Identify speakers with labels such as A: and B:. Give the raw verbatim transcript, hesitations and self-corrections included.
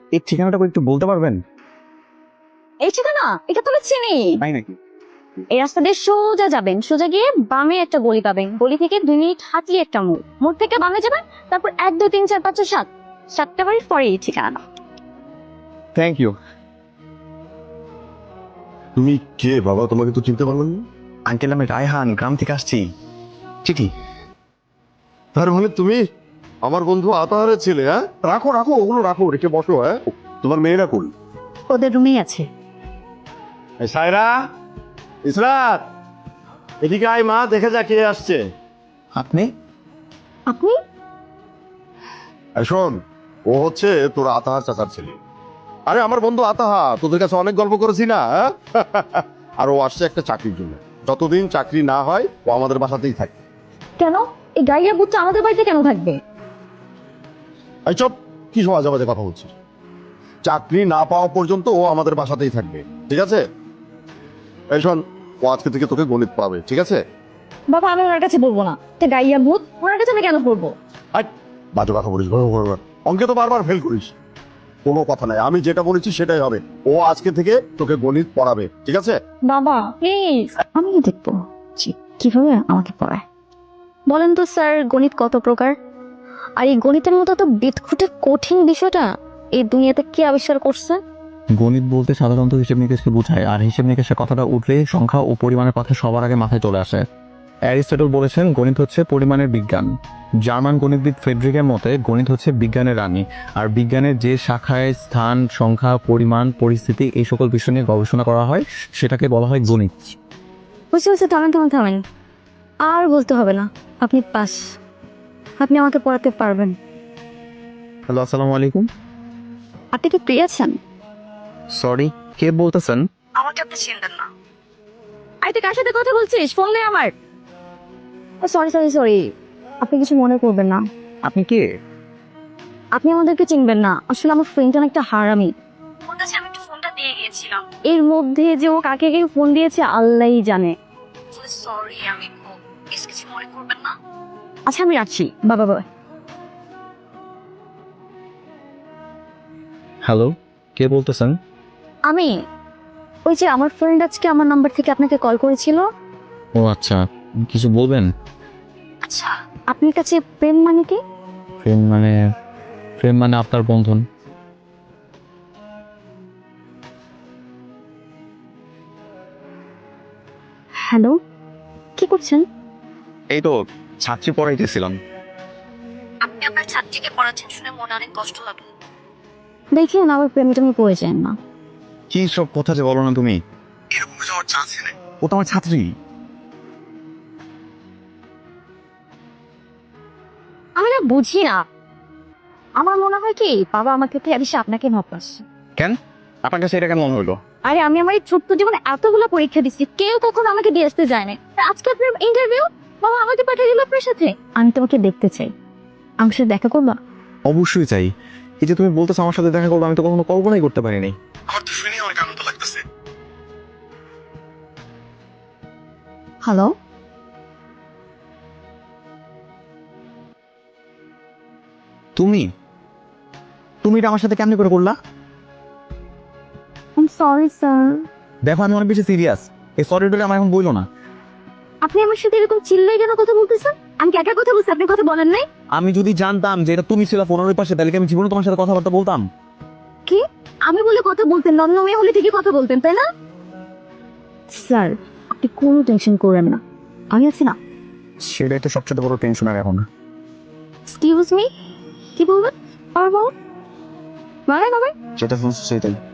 A: এই ঠিকানাটা একটু বলতে পারবেন?
B: এই ঠিকানা এটা তো আমি চিনি।
A: তাই নাকি?
B: এই রাস্তা দিয়ে সোজা যাবেন, সোজা গিয়ে বামে একটা গলি পাবেন, গলি থেকে দুই মিনিট হাঁটলে একটা মোড়, মোড় থেকে বামে যাবেন, তারপর এক দুই তিন চার পাঁচ ছয় সাত সাতটা বাড়ির পরে এই ঠিকানা।
A: Thank you.
C: তুমি কে বাবা? তোমাকে তো চিনতে পারলাম না।
A: আঙ্কেল আমি রায়হান, গ্রাম থেকে আসছি। চিঠি।
C: তার মানে তুমি আমার বন্ধু আতাহারের ছেলে? হ্যাঁ, রাখো রাখো ওগুলো রাখো, রেখে বসো। হ্যাঁ, তোমার মেয়েরা কই?
B: ওদের রুমেই আছে।
C: এই সায়রা, ইসরাত, এদিকে আয় মা, দেখে যা কে আসছে।
A: আপনি?
B: আপনি?
C: এই শোন, ও হচ্ছে তোর আতাহার চাচার ছেলে। আরে আমার বন্ধু আতাহা, তোদের কাছে অনেক গল্প করেছি না? হ্যাঁ? আর ও আসছে একটা চাকরির জন্য। যতদিন চাকরি না হয় ও আমাদের বাসাতেই থাকে।
B: কেন? এই গাইয়া বুটটা আমাদের বাড়িতে কেন থাকবে?
C: এই চপ, কি সমাজ আবাজে কথা বলছিস? চাকরি না পাওয়া পর্যন্ত ও আমাদের বাসাতেই থাকবে, ঠিক আছে? এই শোন, ও আজকে থেকে তোকে গণিত পাবে, ঠিক আছে?
B: বাবা আমি ওনার কাছে বলবো না, এটা গাইয়া ভূত, ওনার কাছে আমি কেন পড়বো?
C: আয়, বাজে কথা বলিস, ঘর ঘর ঘর। অঙ্কে তো বারবার ফেল করিস। কোনো কথা নাই, আমি যেটা বলেছি সেটাই হবে। ও আজকে থেকে তোকে গণিত পড়াবে, ঠিক আছে?
B: বাবা প্লিজ, আমি দেখবো জি, কিভাবে আমাকে পড়ায়। বলেন তো স্যার, গণিত কত প্রকার? আর এই গণিতের মতো তো বিদঘুটে কঠিন বিষয়টা এই দুনিয়াতে কে আবিষ্কার করছে?
A: গণিত বলতে সাধারণত হিসেব নিকেশকে বোঝায়, আর হিসেব নিকেশের কথাটা উঠলে সংখ্যা ও পরিমাণের কথা সবার আগে মাথায় চলে আসে। অ্যারিস্টটল বলেছেন গণিত হচ্ছে পরিমাণের বিজ্ঞান। জার্মান গণিতবিদ ফ্রেডরিকের মতে গণিত হচ্ছে বিজ্ঞানের রানী, আর বিজ্ঞানের যে শাখায় স্থান, সংখ্যা, পরিমাণ, পরিস্থিতি এই সকল বিষয় নিয়ে গবেষণা করা হয় সেটাকে বলা হয় গণিত।
B: বুঝতে বুঝতে থামেন থামেন থামেন, আর বলতে হবে না, আপনি পাস, আপনি আমাকে পড়াতে পারবেন।
A: হ্যালো, আসসালামু আলাইকুম।
B: আপনি কি ফ্রি আছেন?
A: সরি, কে বলতেছেন?
B: আমাকে আপনি চিনবেন না। আই তুই কার সাথে কথা বলছিস? ফোন নেই আমার। সরি সরি সরি, আপনি কিছু মনে করবেন না।
A: আপনি কে?
B: আপনি আমাদেরকে চিনবেন না, আসলে আমার ফ্রেন্ডটা একটা হারামি। ওর কাছে আমি একটু ফোনটা দিয়ে গিয়েছিলাম, এর মধ্যে যে ও কাকে কে ফোন দিয়েছে আল্লাহই জানে। সরি, আমি কিছু মনে করবেন না। আচ্ছা আমি রাখছি, বাবা বাবা।
A: হ্যালো, কে বলতেছেন?
B: আমি ওই যে আমার ফ্রেন্ড আজকে আমার নাম্বার থেকে আপনাকে কল করেছিল।
A: ও আচ্ছা, কিছু বলবেন?
B: আচ্ছা, আপনার কাছে প্রেম মানে কি?
A: প্রেম মানে প্রেম মানে আপনার বন্ধন।
B: হ্যালো, কি করছেন?
A: এই তো ছাত্রী পড়াইতেছিলাম।
B: আপনি আপনার ছাত্রীকে পড়াচ্ছেন শুনে মনে অনেক কষ্ট লাগলো। দেখেন আমার প্রেমটা আমি পড়ে যান না।
A: কি সব কথা যে বলো না তুমি? এরকম কিছু আমার চান্স নেই। ও তো আমার ছাত্রী।
B: আমি না বুঝি না, আমার মনে হয় কি বাবা আমাকে থেকে বেশি আপনাকে ভাবছে।
A: কেন? আপনার কাছে এটা কেন মনে হলো?
B: আরে আমি আমার এই ছোট্ট জীবনে এতগুলো পরীক্ষা দিচ্ছি, কেউ কখনো আমাকে দিয়ে আসতে যায় না। আর আজকে আপনার ইন্টারভিউ, বাবা আমাকে পাঠিয়ে দিল আপনার সাথে। আমি তোমাকে দেখতে চাই, আমার সাথে দেখা করবা?
A: অবশ্যই চাই। এই যে তুমি বলতেছো আমার সাথে দেখা করবো, আমি তো কখনো কল্পনাই করতে পারিনি। আমার তো শুনে অনেক আনন্দ লাগতেছে।
B: হ্যালো,
A: তুমি তুমি এটা আমার সাথে কেমনি করে করলা?
B: I am sorry sir.
A: দেখো আমি অনেক বেশি সিরিয়াস। এই সরিটা আমার এখন বইলো না।
B: আপনি আমার সাথে এরকম চিল্লাই কেন কথা বলতেছেন? আমি কি একা কথা বলছি, আপনি কথা বলেন নাই?
A: আমি যদি জানতাম যে এটা তুমি ছিল ফোনের ওই পাশে, তাহলে কি আমি জীবনে তোমার সাথে কথাবার্তা বলতাম?
B: কি? আমি বলে কথা বলতেন, নন মেয়ে হলে ঠিকই কথা বলতেন তাই না? স্যার আপনি কোনো টেনশন করেন না, আমি আছি না।
A: সেটাই তো সবচেয়ে বড় টেনশন আর এখন।
B: এক্সকিউজ মি, কি বলবেন? আবার বলুন, বলেন আবার।
A: যেটা শুনছো সেটাই।